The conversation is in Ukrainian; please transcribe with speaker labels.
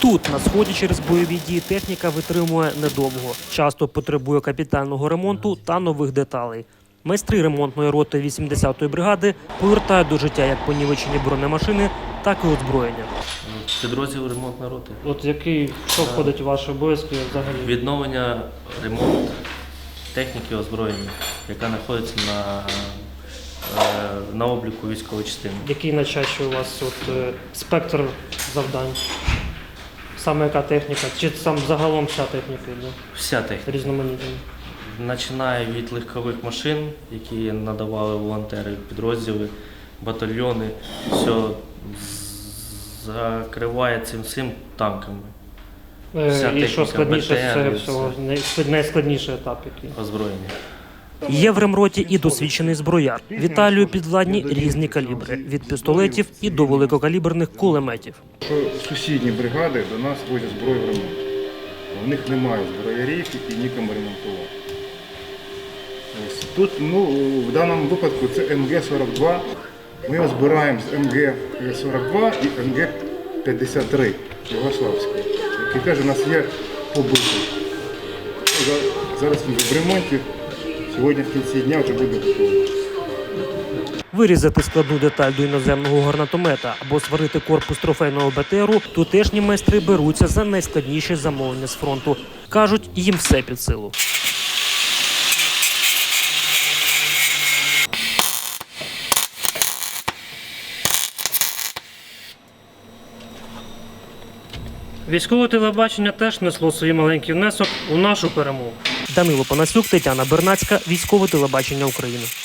Speaker 1: Тут, на сході, через бойові дії техніка витримує недовго. Часто потребує капітального ремонту та нових деталей. Майстри ремонтної роти 80-ї бригади повертають до життя як понівечені бронемашини, так і озброєння.
Speaker 2: Підрозділ ремонтної роти.
Speaker 3: От що входить у ваші обов'язки взагалі?
Speaker 2: Відновлення, ремонт техніки озброєння, яка знаходиться на обліку військової частини.
Speaker 3: Який найчастіше у вас спектр завдань? Саме яка техніка? Чи сам загалом вся техніка йде?
Speaker 2: Вся техніка.
Speaker 3: Різноманітна.
Speaker 2: Починає від легкових машин, які надавали волонтери, підрозділи, батальйони, все закриває цим всім танками.
Speaker 3: І що складніше з цього всього? Найскладніший етап який?
Speaker 2: Озброєння.
Speaker 1: Є в ремроті і досвідчений зброяр. Віталію підвладні різні калібри – від пістолетів і до великокаліберних кулеметів.
Speaker 4: Сусідні бригади до нас возять зброю в ремонт. В них немає зброярів і нікому ремонтувати. Тут, в даному випадку це МГ-42. Ми збираємо з МГ-42 і МГ-53 Югославської, який теж у нас є побитий. Зараз він в ремонті, сьогодні в кінці дня вже буде готовий.
Speaker 1: Вирізати складну деталь до іноземного гранатомета або сварити корпус трофейного БТРу тутешні майстри беруться за найскладніші замовлення з фронту. Кажуть, їм все під силу.
Speaker 3: Військове телебачення теж несло свій маленький внесок у нашу перемогу.
Speaker 1: Данило Панасюк, Тетяна Бернацька, Військове телебачення України.